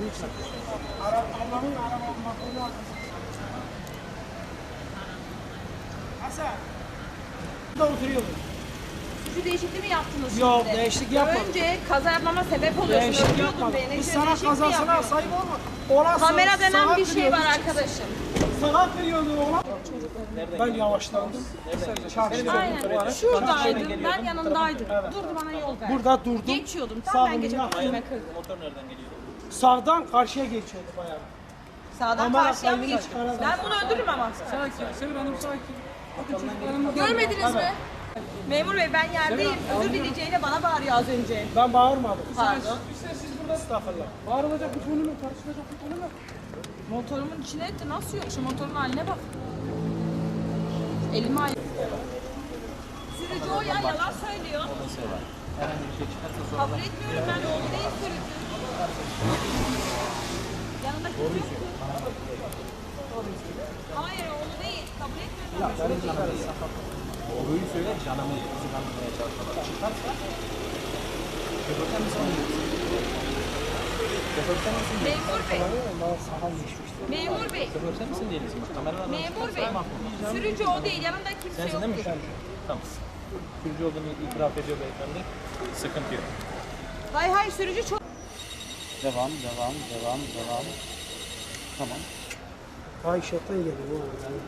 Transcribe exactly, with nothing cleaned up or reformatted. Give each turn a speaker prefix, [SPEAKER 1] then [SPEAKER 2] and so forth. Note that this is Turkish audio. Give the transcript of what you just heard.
[SPEAKER 1] olduğu için.
[SPEAKER 2] Ablamın araba makbulü arkasında. Hasan. Burada oturuyordum.
[SPEAKER 3] Suçu değişikliği mi yaptınız
[SPEAKER 2] Yok,
[SPEAKER 3] şimdi?
[SPEAKER 2] değişiklik yapmadım.
[SPEAKER 3] Önce kaza yapmama sebep oluyorsun.
[SPEAKER 2] Değişiklik
[SPEAKER 3] Öldürüyordun
[SPEAKER 2] yapmadım.
[SPEAKER 3] beni.
[SPEAKER 2] Biz
[SPEAKER 3] Şimdi
[SPEAKER 2] sana
[SPEAKER 3] değişiklik mi
[SPEAKER 2] kazasına
[SPEAKER 3] yapıyorsun?
[SPEAKER 2] sahip olma. Ona
[SPEAKER 3] Kamera
[SPEAKER 2] sa-
[SPEAKER 3] denen
[SPEAKER 2] saat
[SPEAKER 3] bir şey var
[SPEAKER 2] veriyordu.
[SPEAKER 3] arkadaşım.
[SPEAKER 2] Saat veriyordu ona. Ben yavaşlandım. Çarşıda.
[SPEAKER 3] Aynen. Şuradaydım. Ben yanındaydım. Durdu bana yol verdi.
[SPEAKER 2] Burada durdum.
[SPEAKER 3] Geçiyordum. Tam
[SPEAKER 2] Sağ
[SPEAKER 3] ben geçiyordum.
[SPEAKER 2] olun,
[SPEAKER 3] Önüme kırdı.
[SPEAKER 1] Motor nereden geliyor?
[SPEAKER 2] Sağdan karşıya geçiyordu bayağı.
[SPEAKER 3] Sağdan
[SPEAKER 2] Kamera
[SPEAKER 3] karşıya mı
[SPEAKER 2] kaydını
[SPEAKER 3] geçiyor?
[SPEAKER 2] çıkaralım.
[SPEAKER 3] Ben bunu öldürürüm ama.
[SPEAKER 2] Sakin, Sevil Hanım sakin. Bakın çocuklarımla...
[SPEAKER 3] Görmediniz mi? Memur bey ben yerdeyim. Özür dileyeceğine bana bağırıyor az önce.
[SPEAKER 2] Ben bağırmadım.
[SPEAKER 3] Pardon.
[SPEAKER 2] Siz burada estağfurullah. Bağırılacak bir konu mu? Tartışılacak bir konu mu?
[SPEAKER 3] Motorumun içine etti. Nasıl yok? Şu motorun haline bak. Elime ay. Sürücü o ya yalan söylüyor.
[SPEAKER 1] Herhangi bir şey çıkarsa sonra
[SPEAKER 3] Kabul etmiyorum ben oğlu değil sürücü. Yanında kimse yoktu. Hayır oğlu değil. Kabul etmiyorum.
[SPEAKER 1] doğruyu söyle, canımı kazanmaya çalışıyorlar. Çıkarsa şoförden misin? Şoförden misin?
[SPEAKER 3] Memur bey. Memur bey.
[SPEAKER 1] Şoförden misin değiliz mi? Kameralar
[SPEAKER 3] Memur bey. Sürücü o değil. Yanında kimse
[SPEAKER 1] Sensin değil mi
[SPEAKER 3] yoktu.
[SPEAKER 1] şu? Tamam. Sürücü olduğunu itiraf ediyor beyefendi. Sıkıntı yok.
[SPEAKER 3] Hayır hayır sürücü çok.
[SPEAKER 1] Devam, devam, devam, devam. Tamam.
[SPEAKER 2] Ay şoför geliyor.